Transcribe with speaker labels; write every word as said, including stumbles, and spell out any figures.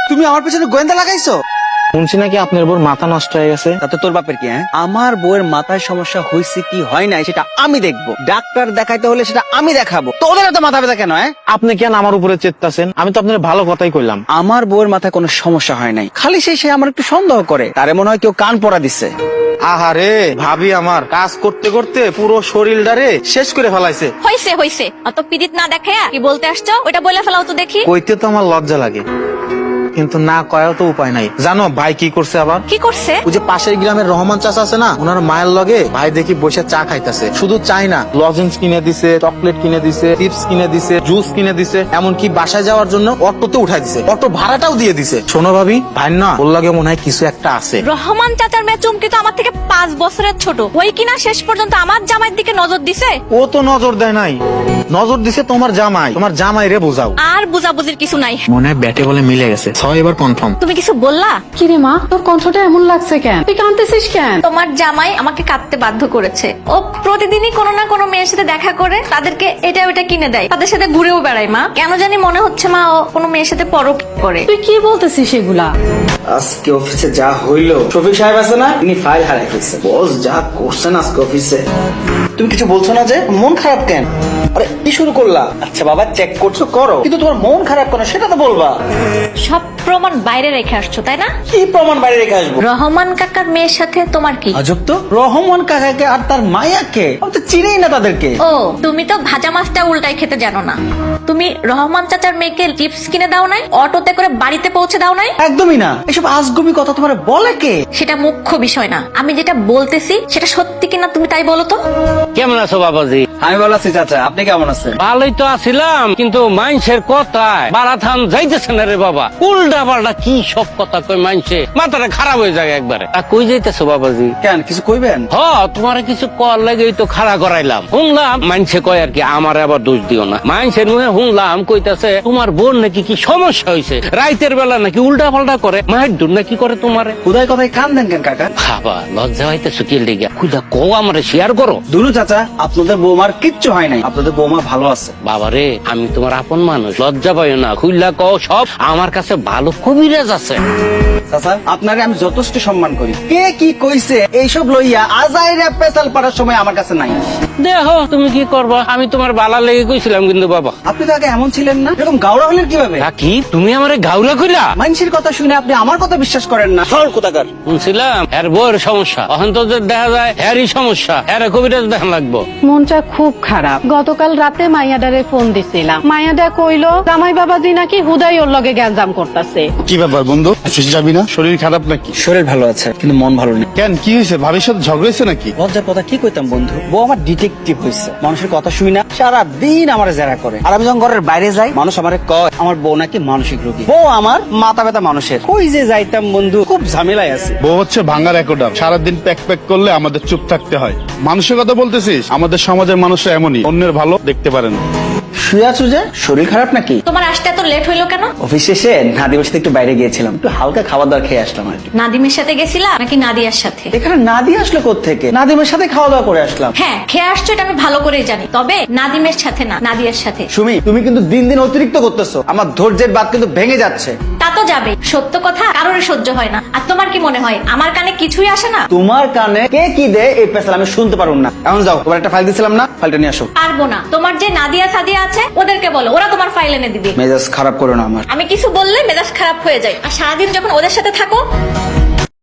Speaker 1: তুমি আমার পেছনে গোয়েন্দা লাগাইছো?
Speaker 2: শুনছি নাকি আপনার বউর মাথা নষ্ট হয়ে গেছে।
Speaker 1: তাতে তোর বাপের কি? হ্যাঁ, আমার বউয়ের মাথায় সমস্যা হয়েছে কি হয় নাই সেটা আমি দেখবো। ডাক্তার দেখাইতে হলে সেটা আমি দেখাবো। তোদের এত মাথা ব্যথা কেন? হ্যাঁ,
Speaker 2: আপনি কেন আমার উপরে চেত্তাছেন? আমি তো আপনার ভালো কথাই কইলাম।
Speaker 1: আমার বউয়ের মাথায় কোনো সমস্যা হয় নাই, খালি সেই সে আমার একটু সন্দেহ করে, তারে মনে হয় কেউ কান পড়া দিচ্ছে।
Speaker 2: আহারে ভাবি আমার কাজ করতে করতে পুরো শরীরটারে শেষ করে ফেলাইছে।
Speaker 3: হইছে হইছে, অত পিরিত না দেখায়া কি বলতে আসছো ওটা বলে ফেলাও তো দেখি।
Speaker 2: কইতে তো আমার লজ্জা লাগে, কিন্তু না কয়াও তো উপায় নাই। জানো ভাই কি করছে আবার?
Speaker 3: কি করছে?
Speaker 2: ওই যে পাশের গ্রামের রহমান চাচা আছে না, ওনার মায়ের লগে ভাই দেখি বসে চা খাইতেছে। শুধু চাই না, লজেন্স কিনে দিছে, চকলেট কিনে দিছে, চিপস কিনে দিছে, জুস কিনে দিছে, এমনকি বাসায় যাওয়ার জন্য অটোতে উঠাই দিছে, অটো ভাড়াটাও দিয়ে দিছে। শোনো ভাবি, ভাই না ওর লগে মনে হয় কিছু একটা আছে।
Speaker 3: রহমান চাচার মেয়ে চুমকি তো আমার থেকে পাঁচ বছরের ছোট, ওই কিনা শেষ পর্যন্ত আমার জামাইয়ের দিকে নজর দিছে।
Speaker 2: ও তো নজর দেয় নাই, নজর দিছে তোমার জামাই। তোমার জামাই রে বোঝাও।
Speaker 3: আর বুঝাবুঝির কিছু নাই,
Speaker 2: মনে হয় ব্যাটে বলে মিলে গেছে। ছয় এবার কনফার্ম।
Speaker 3: তুমি কিছু বললা?
Speaker 4: কিরে মা, তোর কণ্ঠটা এমন লাগছে কেন? তুই কাঁদতেছিস কেন?
Speaker 3: তোমার জামাই আমাকে কাঁদতে বাধ্য করেছে। ও প্রতিদিনই কোনো না কোনো মেয়ের সাথে দেখা করে তাদেরকে এটা ওটা কিনে দেয়, তাদের সাথে ঘুরেও বেড়ায়। মা কেন জানি মনে হচ্ছে মা ও কোনো মেয়ের সাথে পরক করে।
Speaker 4: তুই কি বলতেছিস এগুলা?
Speaker 1: আজকে অফিসে যা হইলো, শফিক সাহেব আছে না, তিনি ফাইল হারাই ফেলছে। বস যা করছেন আজকে অফিসে। তুমি কিছু বলছো না যে? মন খারাপ কেন? আরে কি শুরু করলা? আচ্ছা বাবা, চেক করছো করো, কিন্তু তোমার মন খারাপ কেন সেটা তো বলবা।
Speaker 3: সব প্রমাণ বাইরে রেখে আসছো তাই না?
Speaker 1: কি প্রমাণ বাইরে রেখে আসবো?
Speaker 3: রহমান কাকার মেয়ের সাথে তোমার কি?
Speaker 1: আজব তো, রহমান কাকাকে আর তার মায়াকে আমি তো চিনিই না তাদেরকে।
Speaker 3: ও তুমি তো ভাজা মাছটা উল্টাই খেতে জানো না। তুমি রহমান চাচার মেয়েকে চিপস কিনে দাও নাই, অটোতে করে বাড়িতে পৌঁছে দাও নাই?
Speaker 1: একদমই না, এসব আজগুবি কথা তোমার বলে কে?
Speaker 3: সেটা মুখ্য বিষয় না, আমি যেটা বলতেছি সেটা সত্যি কিনা তুমি তাই বলো তো।
Speaker 5: কেমন আছো বাবাজি?
Speaker 1: আমি ভালো আছি চাচা, আপনি কেমন আছেন?
Speaker 5: ভালোই তো আছিলাম, কিন্তু মানুষের কথায় বারাথান যাইতেছে না রে বাবা। উল্টা পাল্টা কি সব কথা কই মানছে, মাথাটা খারাপ হয়ে যায় একবারে। তা কই যাইতেছো বাবাজি?
Speaker 1: কেন, কিছু কইবেন?
Speaker 5: হ, তোমার কিছু কর লাগেই তো খাড়া করাইলাম। শুনলাম মানছে কয় আর কি, আমার আবার দোষ দিও না। মানছের মুখে শুনলাম কইতাছে তোমার বোন নাকি কি সমস্যা হয়েছে, রাইতের বেলা নাকি উল্টা পাল্টা করে, মায়ের দূর নাকি করে তোমারে।
Speaker 1: খুদাই কথায় কান দেন কেন কাকা?
Speaker 5: বাবা লজ্জা হইতেছো কি লেগে? খুদা কো আমারে শেয়ার করো।
Speaker 1: দুলু চাচা, আপনাদের বৌমার কিচ্ছু হয় নাই, আপনাদের বৌমা ভালো আছে।
Speaker 5: বাবারে আমি তোমার আপন মানুষ, লজ্জা পাইও না, খুইলা কও সব। আমার কাছে ভালো কবিরাজ আছে।
Speaker 1: চাচা, আপনারে আমি যথেষ্ট সম্মান করি, কে কি কইছে এইসব লইয়া আজাইরা পেছাল পাড়ার সময় আমার কাছে নাই।
Speaker 5: দেখো তুমি কি করবা, আমি তোমার বালা লেগে কইছিলাম কিন্তু বাবা।
Speaker 1: আপনি তো আগে এমন ছিলেন না, এরকম গাওড়া হলেন কিভাবে?
Speaker 5: তা কি তুমি আমারে গাউলা কইলা?
Speaker 1: মানুষের কথা শুনে আপনি আমার কথা বিশ্বাস করেন না, সর কোথাকার।
Speaker 5: শুনছিলাম এর বউয়ের সমস্যা, অহন তো যে দেখা যায় এরই সমস্যা, এর কবিরাজ দেখান লাগবো।
Speaker 4: মনটা খুব খারাপ। গতকাল রাতে মাইয়াডারে ফোন দিছিলাম, মাইয়াডা কইলো জামাই বাবাজি নাকি হুদাই ওর লগে গ্যাঞ্জাম করতেছে।
Speaker 6: কি ব্যাপার বন্ধু, অফিস যাবি না? শরীর খারাপ নাকি?
Speaker 1: শরীর ভালো আছে, কিন্তু মন ভালো নেই।
Speaker 6: কেন, কি হয়েছে? ভাবির সাথে ঝগড়া হয়েছে নাকি?
Speaker 1: লজ্জার কথা কি কইতাম বন্ধু, বউ আমার ডিটেকটিভ হয়েছে। মানুষের কথা শুই না, সারা দিন আমার জেরা করে। আর আমি যখন ঘরের বাইরে যাই, মানুষ আমারে কয় আমার বউ নাকি মানসিক রোগী। বউ আমার মাথা ব্যথা মানুষের। কই যে যাইতাম বন্ধু, খুব ঝামেলায় আছি।
Speaker 6: বউ হচ্ছে ভাঙার একোডাম, সারাদিন প্যাক প্যাক করলে আমাদের চুপ থাকতে হয়। মানুষের কথা বলতেছিস? আমাদের সমাজের মানুষরা এমনই, অন্যের ভালো দেখতে পারে না।
Speaker 1: শুয়ে আছো যে, শরীর খারাপ নাকি?
Speaker 3: তোমার আসতে এত লেট হইলো কেন?
Speaker 1: অফিস শেষে নাদিমের সাথে একটু বাইরে গিয়েছিলাম, একটু হালকা খাবার দাবার খেয়ে আসলাম আর কি।
Speaker 3: নাদিমের সাথে গেছিলা নাকি নাদিয়ার সাথে?
Speaker 1: এখানে নাদি আসলো কোত্থেকে? নাদিমের সাথে খাওয়া দাওয়া করে আসলাম।
Speaker 3: হ্যাঁ খেয়ে আসছো, এটা আমি ভালো করেই জানি, তবে নাদিমের সাথে না, নাদিয়ার সাথে।
Speaker 1: সুমি, তুমি কিন্তু দিন দিন অতিরিক্ত করতেছো, আমার ধৈর্যের বাদ কিন্তু ভেঙে যাচ্ছে।
Speaker 3: তা তো যাবে, সত্য কথা কারোরই সহ্য হয় না। আর তোমার কি মনে হয় আমার কানে কিছুই আসে না?
Speaker 1: তোমার কানে কে কি দেয় এই পেছাল আমি শুনতে পারুন না। এখন যাও, তোমার একটা ফাইল দিছিলাম না, ফাইলটা নিয়ে আসো।
Speaker 3: পারবো না, তোমার যে নাদিয়া সাদিয়া আছে ওদেরকে বলো, ওরা তোমার ফাইল এনে দিবে।
Speaker 1: মেজাজ খারাপ করো না আমার।
Speaker 3: আমি কিছু বললে মেজাজ খারাপ হয়ে যায়, আর সারাদিন যখন ওদের সাথে থাকো